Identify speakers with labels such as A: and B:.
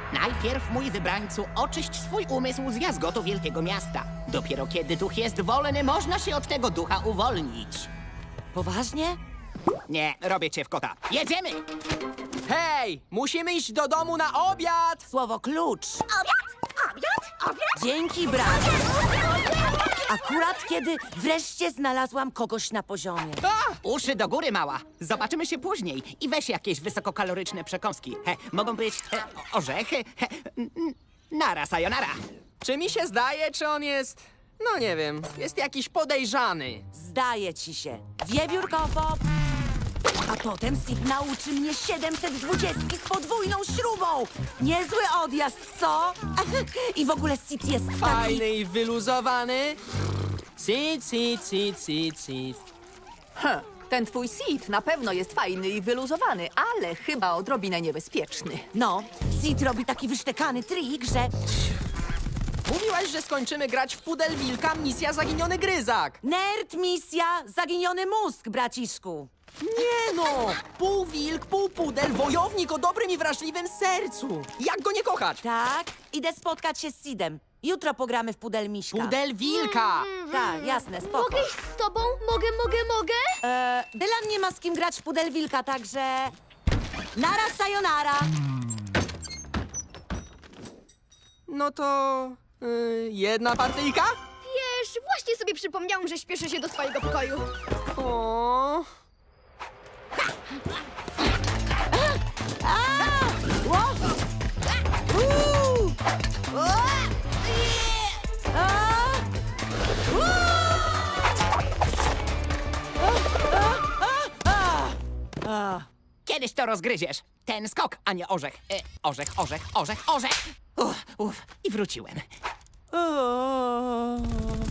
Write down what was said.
A: Najpierw, mój wybrańcu, oczyść swój umysł z jazgotu wielkiego miasta. Dopiero kiedy duch jest wolny, można się od tego ducha uwolnić.
B: Poważnie?
A: Nie, robię cię w kota. Jedziemy!
C: Hej, musimy iść do domu na obiad!
B: Słowo klucz.
D: Obiad?
B: Dzięki, brat. Akurat kiedy wreszcie znalazłam kogoś na poziomie.
A: Uszy do góry, mała. Zobaczymy się później. I weź jakieś wysokokaloryczne przekąski. Mogą być orzechy. Nara, sayonara.
C: Czy mi się zdaje, czy on jest... No nie wiem, jest jakiś podejrzany.
B: Zdaje ci się. Wiewiór kofop. A potem Sid nauczy mnie 720 z podwójną śrubą. Niezły odjazd, co? I w ogóle Sid jest taki...
C: Fajny i wyluzowany. Sit.
D: Ten twój Sid na pewno jest fajny i wyluzowany, ale chyba odrobinę niebezpieczny.
B: No, Sid robi taki wysztekany trik, że...
C: Mówiłaś, że skończymy grać w Pudel Wilka Misja Zaginiony Gryzak.
B: Nerd misja, zaginiony mózg, braciszku.
C: Nie no! Pół wilk, pół pudel, wojownik o dobrym i wrażliwym sercu. Jak go nie kochać?
B: Tak, idę spotkać się z Sidem. Jutro pogramy w Pudel Miśka.
C: Pudel Wilka!
B: Tak, jasne, spoko.
E: Mogę iść z tobą? Mogę?
B: Dylan nie ma z kim grać w Pudel Wilka, także... Nara, sayonara.
C: No to... jedna partyjka?
E: Wiesz, właśnie sobie przypomniałam, że śpieszę się do swojego pokoju.
C: O.
A: Kiedyś to rozgryziesz. Ten skok, a nie orzech. Orzech. I wróciłem.